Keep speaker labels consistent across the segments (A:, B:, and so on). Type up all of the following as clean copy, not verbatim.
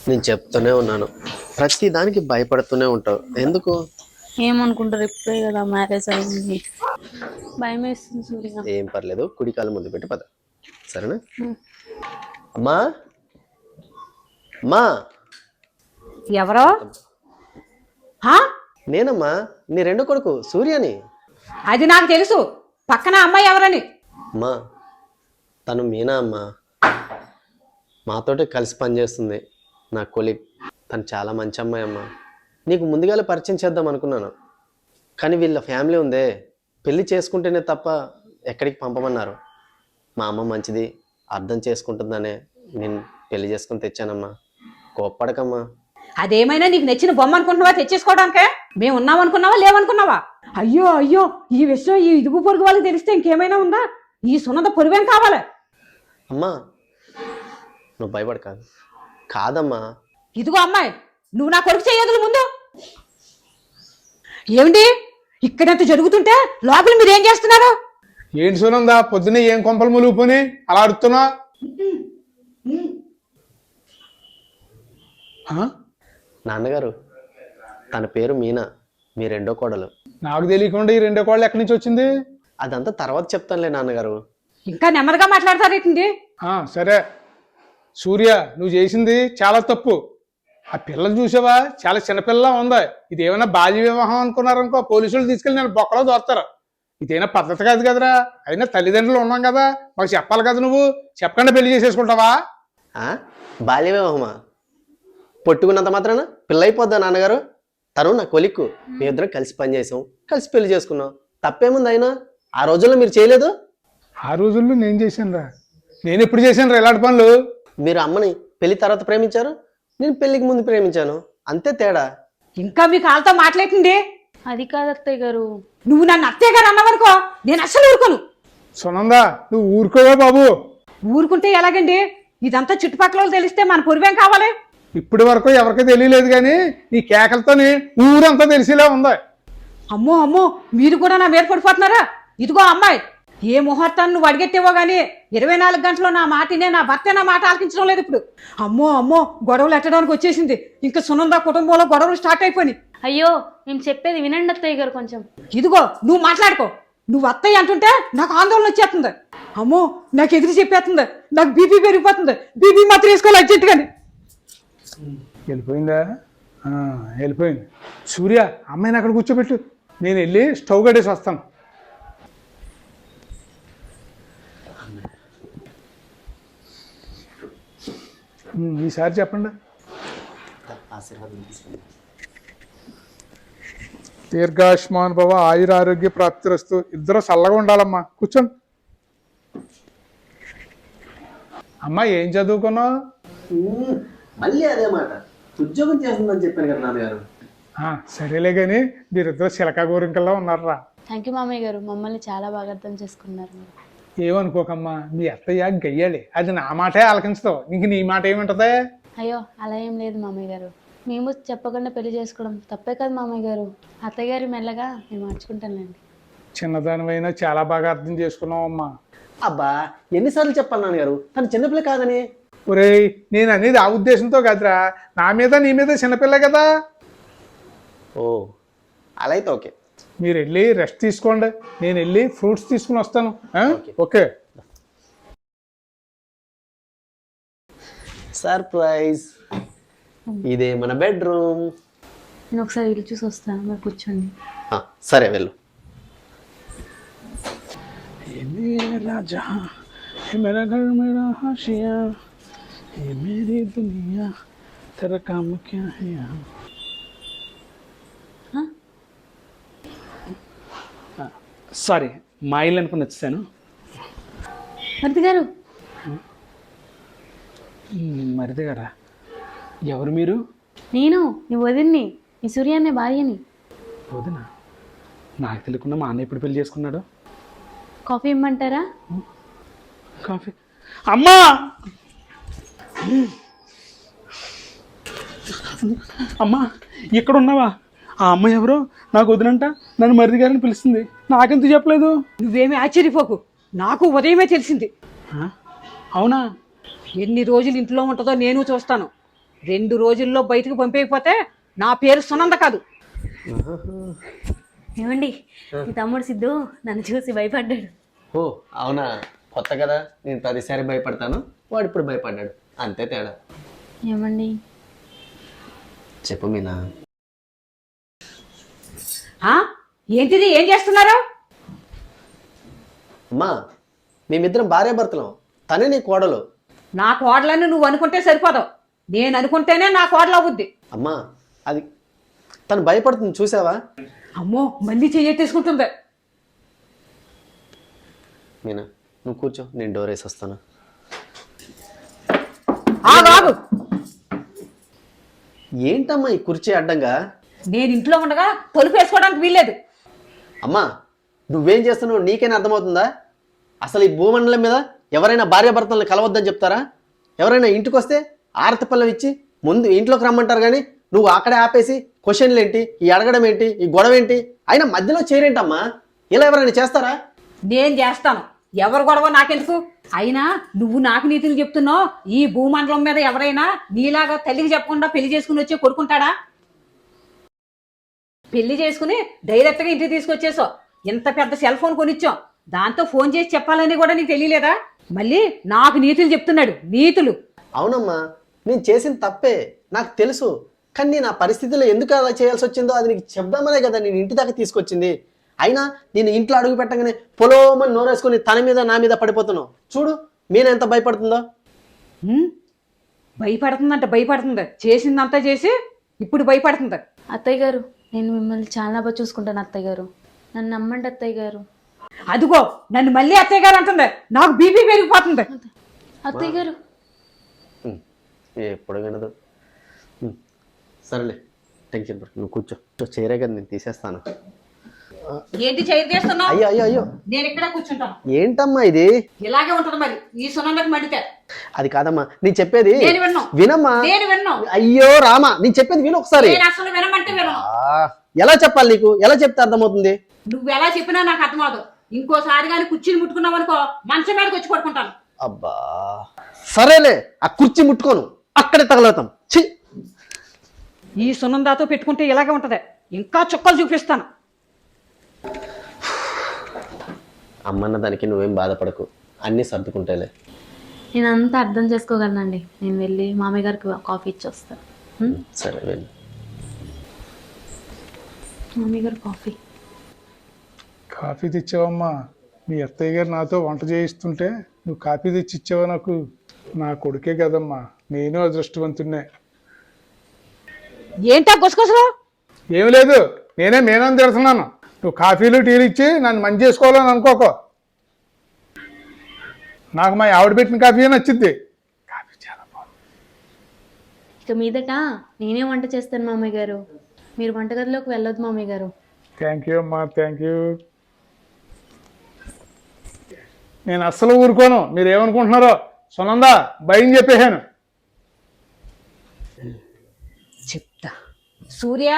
A: నేను చెప్తూనే ఉన్నాను, ప్రతి దానికి భయపడుతూనే ఉంటావు ఎందుకు?
B: ఏమనుకుంటారు, ఇప్పుడే కదా మ్యారేజ్ అయింది, భయం వేస్తుంది సూర్య.
A: ఏం పర్లేదు, కుడి కాలు ముందు పెట్టి పద, సరేనా? అమ్మా, అమ్మా.
C: ఎవరో?
A: నేనమ్మా, నీ రెండో కొడుకు సూర్యని.
C: అది నాకు తెలుసు, పక్కన అమ్మాయి ఎవరని.
A: అమ్మా, తను మీనా అమ్మా, మాతోటి కలిసి పనిచేస్తుంది, నా కొలీగ్. తను చాలా మంచి అమ్మాయి అమ్మా. నీకు ముందుగానే పరిచయం చేద్దాం అనుకున్నాను, కానీ వీళ్ళ ఫ్యామిలీ ఉందే, పెళ్లి చేసుకుంటేనే తప్ప ఎక్కడికి పంపమన్నారు. మా అమ్మ మంచిది, అర్థం చేసుకుంటుందనే నేను పెళ్లి చేసుకుని తెచ్చానమ్మా, కోప్పడకమ్మా.
C: అదేమైనా నీకు నచ్చిన బొమ్మ అనుకుంటున్నావా తెచ్చేసుకోవడానికే? మేము ఉన్నాం అనుకున్నావా లేవనుకున్నావా? అయ్యో అయ్యో, ఈ విషయం ఈ ఇదుగు పొరుగు వాళ్ళకి తెలిస్తే ఇంకేమైనా ఉందా? ఈ సున్నత పొరువేం కావాలి?
A: అమ్మా, నువ్వు భయపడ. కాదమ్మా.
C: ఇదిగో అమ్మాయి, నువ్వు నా కొడుకు చేయదులు ముందు. ఏమిటి ఇక్కడంత జరుగుతుంటే లోపల మీరేం చేస్తున్నారు?
D: ఏంటి సునందా, పొద్దున్నే ఏం కొంపలు ములుగుపోని అలా అడుగుతున్నా?
A: నాన్నగారు, తన పేరు మీనా, మీ రెండో కోడలు.
D: నాకు తెలియకుండా ఈ రెండో కోళ్ళు ఎక్కడి నుంచి వచ్చింది?
A: అదంతా తర్వాత చెప్తానులే నాన్నగారు.
C: ఇంకా నెమ్మదిగా మాట్లాడతారేంటి?
D: సరే సూర్య, నువ్వు చేసింది చాలా తప్పు. ఆ పిల్లలు చూసావా, చాలా చిన్నపిల్ల ఉంది. ఇది ఏమైనా బాల్య వివాహం అనుకున్నారనుకో, పోలీసులు తీసుకెళ్ళి నేను బొక్కలో దోస్తారు. ఇదేనా పద్ధతి కాదు కదరా. అయినా తల్లిదండ్రులు ఉన్నాం కదా, మాకు చెప్పాలి కదా. నువ్వు చెప్పకుండా పెళ్లి చేసేసుకుంటావా?
A: బాల్య వివాహమా? పొట్టుకున్నంత మాత్రాన పిల్ల అయిపోద్దా నాన్నగారు? తను నా కొలిక్కు, మీ ఇద్దరం కలిసి పనిచేసాం, కలిసి పెళ్లి చేసుకున్నాం, తప్పేముంది? అయినా ఆ రోజుల్లో మీరు చేయలేదు?
D: ఆ రోజుల్లో నేను చేశాను రా. నేను ఎప్పుడు చేశాను రా ఇలాంటి పనులు?
A: మీరు అమ్మని పెళ్లి తర్వాత ప్రేమించారు, నేను పెళ్లికి ముందు ప్రేమించాను, అంతే తేడా.
C: ఇంకా మీ కాళ్ళతో మాట్లాడుతుంది.
B: అది కాదు అత్తయ్య గారు.
C: నువ్వు నన్ను అత్తయ్య గారు అన్నావనుకో, నేను అస్సలు ఊరుకోను.
D: సునందా, నువ్వు ఊరుకోవా బాబు.
C: ఊరుకుంటే ఎలాగండి? ఇదంతా చుట్టుపక్కల తెలిస్తే మన పొరువేం కావాలి?
D: ఇప్పటి వరకు ఎవరికీ తెలియలేదు, కానీ నీ కేకలతోని ఊరంతా తెలిసేలా ఉంది.
C: అమ్మో అమ్మో, మీరు కూడా నా మీద పడిపోతున్నారా? ఇదిగో అమ్మాయి, ఏ ముహూర్తాన్ని నువ్వు అడిగెట్టేవో గానీ 24 గంటలు నా మాటనే, నా భర్తే నా మాట ఆలకించడం లేదు ఇప్పుడు. అమ్మో అమ్మో, గొడవలు ఎట్టడానికి వచ్చేసింది. ఇంకా సునంద కుటుంబంలో గొడవలు స్టార్ట్ అయిపోయి.
B: అయ్యో, మేము చెప్పేది వినండి అత్తయ్య గారు కొంచెం.
C: ఇదిగో నువ్వు మాట్లాడుకో. నువ్వు అత్తయ్య అంటుంటే నాకు ఆందోళన వచ్చేస్తుంది. అమ్మో, నాకు ఎదురు చెప్పేస్తుంది, నాకు బీపీ పెరిగిపోతుంది. బీపీ మాత్రం వేసుకోవాలి అర్జెంటుగాని.
D: వెళ్ళిపోయిందా? వెళ్ళిపోయింది. సూర్య, అమ్మాయిని అక్కడ కూర్చోబెట్టు, నేను వెళ్ళి స్టవ్ కట్టేసి వస్తాను. ఈసారి చెప్పండి. దీర్ఘాయుష్మాన్ భవ, ఆయుర ఆరోగ్య ప్రాప్తిరస్తు. ఇద్దరు చల్లగా ఉండాలమ్మా. కూర్చోండి. అమ్మా, ఏం చదువుకున్నావు?
A: మళ్ళీ అదే మాట, ఉద్యోగం చేస్తుందని చెప్పాను కదా నాన్నగారు.
D: సరేలే కానీ మీరిద్దరు చిలకా గోరింకల్లా ఉన్నారా?
B: థ్యాంక్ యూ మామయ్య గారు, మమ్మల్ని చాలా బాగా అర్థం చేసుకున్నారు మీరు.
D: ఏమనుకోకమ్మా, మీ అత్తయ్య గయ్యాలి, అది నా మాటే ఆలకించదు, నీకు నీ మాట ఏమింటదే?
B: అయ్యో, అలా ఏం లేదు మామయ్య గారు. మేము చెప్పకుండా పెళ్లి చేసుకోవడం తప్పే కదా మామయ్య గారు. అత్తయ్య గారు మెల్లగా మేము మార్చుకుంటానులేండి.
D: చిన్నదానివైనా చాలా బాగా అర్థం చేసుకున్నావు అమ్మా.
A: అబ్బా, ఎన్నిసార్లు చెప్పాలి నాన్నగారు, తను చిన్నపిల్ల కాదని.
D: ఒరేయ్, నేను అనేది ఆ ఉద్దేశంతో కాదురా, నా మీద నీ మీద చిన్నపిల్ల కదా.
A: ఓ, అలా అయితే ఓకే.
D: మీరు వెళ్ళి రెస్ట్ తీసుకోండి, నేను వెళ్ళి ఫ్రూట్స్ తీసుకుని వస్తాను. ఓకే.
A: సర్ప్రైజ్, ఇదే మన బెడ్రూమ్.
B: నేను ఒకసారి ఇల్లు చూసి వస్తాను, మీరు కూర్చోండి.
A: సరే వెళ్ళు.
D: రాజా, मेरा घर मेरा हाशिया, ये मेरी दुनिया, तेरा काम क्या है यहाँ? సారీ, మా ఇల్లు అనుకుని వచ్చాను.
B: మరిది గారు.
D: మరిది గారా? ఎవరు మీరు?
B: నేను నీ వదిన్ని, నీ సూర్య అనే భార్యని.
D: వదినా? నాకు తెలియకుండా మా అన్న ఎప్పుడు పెళ్లి చేసుకున్నాడు?
B: కాఫీ ఇమ్మంటారా?
D: కాఫీ? అమ్మా, అమ్మా, ఇక్కడ ఉన్నావా? ఆ అమ్మాయి ఎవరో నాకు వదినంట, నన్ను మరిది గారిని పిలుస్తుంది, నాకెందుకు చెప్పలేదు?
C: నువ్వేమీ ఆశ్చర్యపోకు, నాకు ఉదయమే తెలిసింది.
D: అవునా?
C: ఎన్ని రోజులు ఇంట్లో ఉంటుందో నేను చూస్తాను. 2 రోజుల్లో బయటకు పంపేయకపోతే నా పేరు సునంద కాదు.
B: ఏమండి మీ తమ్ముడు సిద్ధు నన్ను చూసి భయపడ్డాడు.
A: ఓ అవునా, కొత్త కదా, నేను ప్రతిసారి భయపడతాను, వాడు ఇప్పుడు భయపడ్డాడు, అంతే తేడా.
B: ఏమండి
A: చెప్పు మీనా.
C: ఆ? ఏంటిది, ఏం చేస్తున్నారు?
A: అమ్మా మేమిద్దరం భార్యాభర్తలం, తనే నీ కోడలు.
C: నా కోడలని నువ్వు అనుకుంటే సరిపోదు, నేను అనుకుంటేనే నా కోడలు అవుద్ది.
A: అమ్మా అది తను భయపడుతుంది చూసావా.
C: అమ్మో మళ్ళీ చెయ్యెట్టేసుకుంటుంది.
A: మీనా నువ్వు కూర్చో, నేను డోర్ వేసి వస్తాను.
C: ఆగు.
A: ఏంటమ్మా ఈ కుర్చీ అడ్డంగా?
C: నేను ఇంట్లో ఉండగా తలుపు వేసుకోవడానికి వీల్లేదు.
A: అమ్మా నువ్వేం చేస్తున్నావు నీకైనా అర్థమవుతుందా? అసలు ఈ భూమండలం మీద ఎవరైనా భార్యాభర్తలను కలవద్దని చెప్తారా? ఎవరైనా ఇంటికి వస్తే ఆరతి పళ్ళం ఇచ్చి ముందు ఇంట్లోకి రమ్మంటారు, కానీ నువ్వు అక్కడే ఆపేసి క్వశ్చన్లు ఏంటి, ఈ అడగడం ఏంటి, ఈ గొడవ ఏంటి, అయినా మధ్యలో చేరేంటమ్మా? ఇలా ఎవరైనా చేస్తారా?
C: నేను చేస్తాను, ఎవరు గొడవ నాకెందుకు? అయినా నువ్వు నాకు నీతులు చెప్తున్నావు. ఈ భూమండలం మీద ఎవరైనా నీలాగా తల్లికి చెప్పకుండా పెళ్లి చేసుకుని వచ్చి కొడుకుంటాడా? పెళ్లి చేసుకుని డైరెక్ట్గా ఇంటికి తీసుకొచ్చేసావు. ఇంత పెద్ద సెల్ ఫోన్ కొనిచ్చాం, దాంతో ఫోన్ చేసి చెప్పాలని కూడా నీకు తెలియలేదా? మళ్ళీ నాకు నీతులు చెప్తున్నాడు, నీతులు.
A: అవునమ్మా నేను చేసిన తప్పే నాకు తెలుసు, కానీ నేను ఆ పరిస్థితిలో ఎందుకు అలా చేయాల్సి వచ్చిందో అది నీకు చెప్దామనే కదా నేను ఇంటి దాకా తీసుకొచ్చింది. అయినా నేను ఇంట్లో అడుగు పెట్టగానే పొలోమని నోరేసుకొని తన మీద నా మీద పడిపోతున్నావు. చూడు మీన ఎంత భయపడుతుందో.
C: భయపడుతుంది, చేసిందంతా చేసి ఇప్పుడు భయపడుతుంది.
B: అత్తయ్య గారు నేను మిమ్మల్ని చాలా బాగా చూసుకుంటాను అత్తయ్య గారు, నన్ను నమ్మండి అత్తయ్య గారు.
C: అదిగో నన్ను మళ్ళీ అత్తయ్య గారు అంటుంది, నాకు బీపీ పెరిగిపోతుంది.
B: అత్తయ్య గారు
A: ఎప్పుడు వినదు. సరేలే టెన్షన్ పడు, నువ్వు కూర్చో, చేరే కదా నేను తీసేస్తాను.
C: ఏంటి చైర్ చేస్తున్నావు?
A: అయ్యో అయ్యో అయ్యో
C: నేను ఇక్కడ కూర్చుంటాను.
A: ఏంటమ్మా ఇది?
C: ఇలాగే ఉంటది మరి, ఈ సునందకు మండితే.
A: అది కాదమ్మా నేను చెప్పేది
C: నేను విన్ను.
A: వినమ్మా.
C: నేను విన్ను.
A: అయ్యో రామా నేను చెప్పేది విను ఒకసారి.
C: నేను అసలు వినమంటే వినను.
A: ఎలా చెప్పాలి నీకు, ఎలా చెప్తే అర్థమవుతుంది?
C: నువ్వు ఎలా చెప్పినా నాకు అర్థమవుతుంది. ఇంకోసారి కానీ కుర్చీని ముట్టుకున్నావు అనుకో మంచం మీదకి వచ్చి పడుకుంటాను.
A: అబ్బా సరేలే, ఆ కుర్చీ ముట్టుకోను, అక్కడే తగలవుతాం. ఛీ,
C: ఈ సునందాతో పెట్టుకుంటే ఇలాగే ఉంటది, ఇంకా చుక్కలు చూపిస్తాను.
A: అమ్మన్న దానికి నువ్వేం బాధపడకు, అన్నీ సర్దుకుంటేలే.
B: నేను అంతా అర్థం చేసుకోగలనండి, నేను వెళ్ళి మామయ్య గారికి కాఫీ ఇచ్చి వస్తాను.
A: సరే వెళ్ళి.
B: మామయ్య గారు కాఫీ.
D: కాఫీ తెచ్చావమ్మా? మీ అత్తయ్య గారు నాతో వంట చేయిస్తుంటే నువ్వు కాఫీ తెచ్చి ఇచ్చావా నాకు? నా కొడుకే కదమ్మా, నేను అదృష్టవంతున్నే.
C: ఏంటా గుసగుసలు?
D: ఏమి లేదు, నేనే మేనని తిడుతున్నాను. నువ్వు కాఫీలు టీలు ఇచ్చి నన్ను మంచి చేసుకోవాలని అనుకోకో. నాకు మా ఆవిడ పెట్టిన కాఫీ నచ్చింది. కాఫీ చాలా బాగుంది.
B: ఇక మీదట నేనే వంట చేస్తాను మామయ్య గారు, మీరు వంటగదిలోకి వెళ్ళొద్దు మామయ్య గారు.
D: థ్యాంక్ యూ అమ్మా, థ్యాంక్ యూ. నేను అస్సలు ఊరుకోను, మీరు ఏమనుకుంటున్నారో. సునందా భయం చెప్పేశాను.
C: చెప్తా. సూర్య,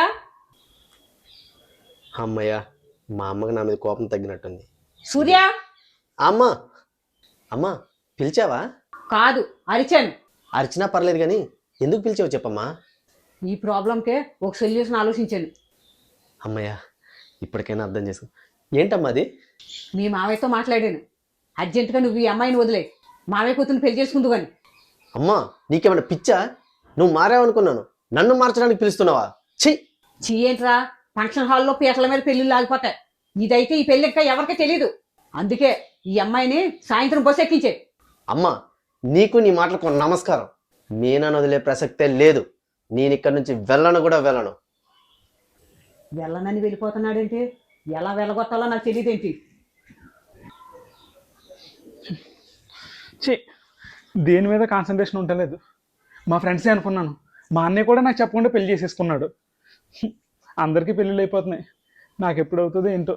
A: అమ్మయ్య మా అమ్మకి నా మీద కోపం తగ్గినట్టుంది.
C: సూర్య.
A: అమ్మా అమ్మా పిలిచావా?
C: కాదు, అరిచాను.
A: అరిచినా పర్లేదు కానీ ఎందుకు పిలిచావు చెప్పమ్మా.
C: ఈ ప్రాబ్లంకే ఒక సొల్యూషన్ ఆలోచించాను.
A: అమ్మయ్య ఇప్పటికైనా అర్థం చేసుకో. ఏంటమ్మా అది?
C: మీ మావయ్యతో మాట్లాడాను, అర్జెంటుగా నువ్వు ఈ అమ్మాయిని వదిలే, మావయ్య కూతురు పెళ్లి చేసుకుందు అని.
A: అమ్మా నీకేమైనా పిచ్చా? నువ్వు మారావనుకున్నాను, నన్ను మార్చడానికి పిలుస్తున్నావా? ఛీ
C: ఏంట్రా, ఫంక్షన్ హాల్లో పీటల మీద పెళ్లిళ్ళు ఆగిపోతాయి. ఇదైతే ఈ పెళ్లి ఇంకా ఎవరికి తెలీదు. అందుకే ఈ అమ్మాయిని సాయంత్రం బస్సు ఎక్కించే.
A: అమ్మా నీకు నీ మాటలకు నమస్కారం. మీనా వదిలే ప్రసక్తే లేదు. నేను ఇక్కడి నుంచి వెళ్ళను కూడా వెళ్ళను.
C: వెళ్ళనని వెళ్ళిపోతున్నాడేంటి? ఎలా వెళ్ళగొట్టాలో నాకు తెలియదేంటి?
D: దేని మీద కాన్సన్ట్రేషన్ ఉండలేదు. మా ఫ్రెండ్సే అనుకున్నాను, మా అన్నయ్య కూడా నాకు చెప్పకుండా పెళ్లి చేసేసుకున్నాడు. అందరికీ పెళ్ళిళ్ళు అయిపోతున్నాయి, నాకు ఎప్పుడు అవుతుందో ఏంటో.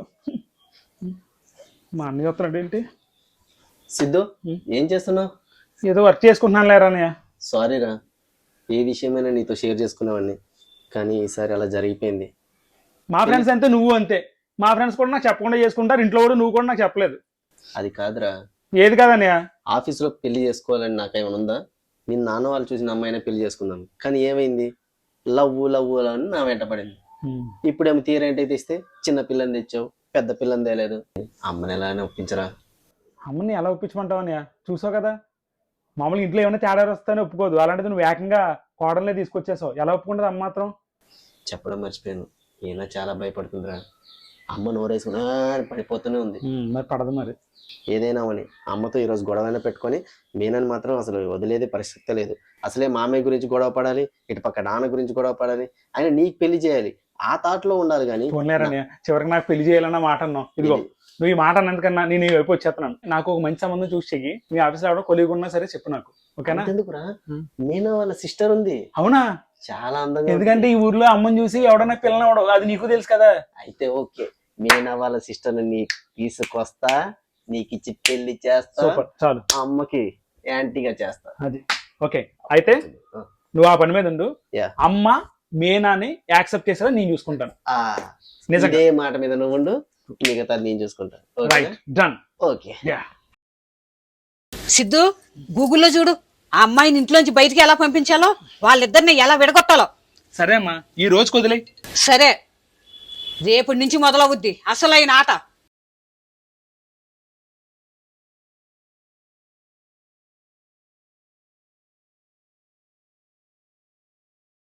D: మా అన్నయ్య వస్తున్నాడు ఏంటి?
A: సిద్ధు ఏం చేస్తున్నావు?
D: ఏదో వర్క్ చేసుకుంటున్నాను లేరా అన్నయ్య.
A: సారీరా, ఏ విషయమైనా నీతో షేర్ చేసుకునేవాడిని, కానీ ఈసారి అలా జరిగిపోయింది.
D: మా ఫ్రెండ్స్ అంతే, నువ్వు అంతే. మా ఫ్రెండ్స్ కూడా నాకు చెప్పకుండా చేసుకుంటారు, ఇంట్లో కూడా నువ్వు కూడా నాకు చెప్పలేదు.
A: అది కాదురా.
D: ఏది కాదన్నయ్య?
A: ఆఫీస్లో పెళ్లి చేసుకోవాలని నాకేమైనా ఉందా? నేను నాన్న వాళ్ళు చూసిన అమ్మాయినే పెళ్లి చేసుకుందాం, కానీ ఏమైంది, లవ్ అని నా వెంట పడింది. ఇప్పుడేమో తీరేంటైతే ఇస్తే చిన్న పిల్లని తెచ్చావు, పెద్ద పిల్లని తేలేదు. అమ్మని ఎలానే ఒప్పించరా?
E: అమ్మని ఎలా ఒప్పించమంటావని చూసావు కదా, మామూలుగా ఇంట్లో ఏమైనా తేడా వస్తానే ఒప్పుకోదు, అలాంటిది నువ్వు ఏకంగా కోడలే తీసుకొచ్చేసావు. ఎలా ఒప్పుకుంటుంది అమ్మ మాత్రం?
A: చెప్పడం మర్చిపోయాను, ఈయన చాలా భయపడుతుందిరా. అమ్మ నోరేసుకుని పడిపోతూనే ఉంది.
E: మరి పడదు మరి.
A: ఏదైనా అని అమ్మతో ఈరోజు గొడవైనా పెట్టుకొని మీనని మాత్రం అసలు వదిలేదే పరిస్థితి లేదు. అసలే మామయ్య గురించి గొడవ పడాలి, ఇటు పక్క నాన్న గురించి గొడవ పడాలి, ఆయన నీకు పెళ్లి చేయాలి ఆ థాట్లో ఉండాలి. కానీ
E: పోన్లేరని చివరికి నాకు పెళ్లి చేయాలన్న మాట అన్నావు. ఇదిగో నువ్వు ఈ మాట అన్నందుకన్నా నేను ఈ వైపు వచ్చేస్తున్నాను. నాకు ఒక మంచి సంబంధం చూసి చెయ్యి. మీ ఆఫీస్లో ఎవడో కొలీగ్ ఉన్నా సరే చెప్పు నాకు, ఓకేనా?
A: ఎందుకురా, మీనా వాళ్ళ సిస్టర్ ఉంది,
E: అవునా?
A: చాలా అందంగా.
E: ఎందుకంటే ఈ ఊర్లో అమ్మని చూసి ఎవడన్నా పిల్లని అవడం అది నీకు తెలుసు కదా.
A: అయితే ఓకే, మీనా వాళ్ళ సిస్టర్ ని తీసుకొస్తా, నీకు ఇచ్చి పెళ్లి చేస్తా,
E: సూపర్, చాలు.
A: అమ్మకి యాంటీగా చేస్తా.
E: అది ఓకే. అయితే నువ్వు ఆ పని మీద ఉండు. అమ్మ మీనాని యాక్సెప్ట్ చేసేలా నేను చూసుకుంటాను. నిజంగా
A: ఇదే మాట మీద నువ్వు ఉండు, మిగతా నేను చూసుకుంటాను.
E: Right, done.
A: ఓకే.
C: సిద్ధు, గూగుల్లో చూడు ఆ అమ్మాయిని ఇంట్లోంచి బయటికి ఎలా పంపించాలో, వాళ్ళిద్దరిని ఎలా విడగొట్టాలో.
E: సరే అమ్మా, ఈ రోజు వదిలేయ్.
C: సరే, రేపటి నుంచి మొదలవుద్ది అసలైన ఆట.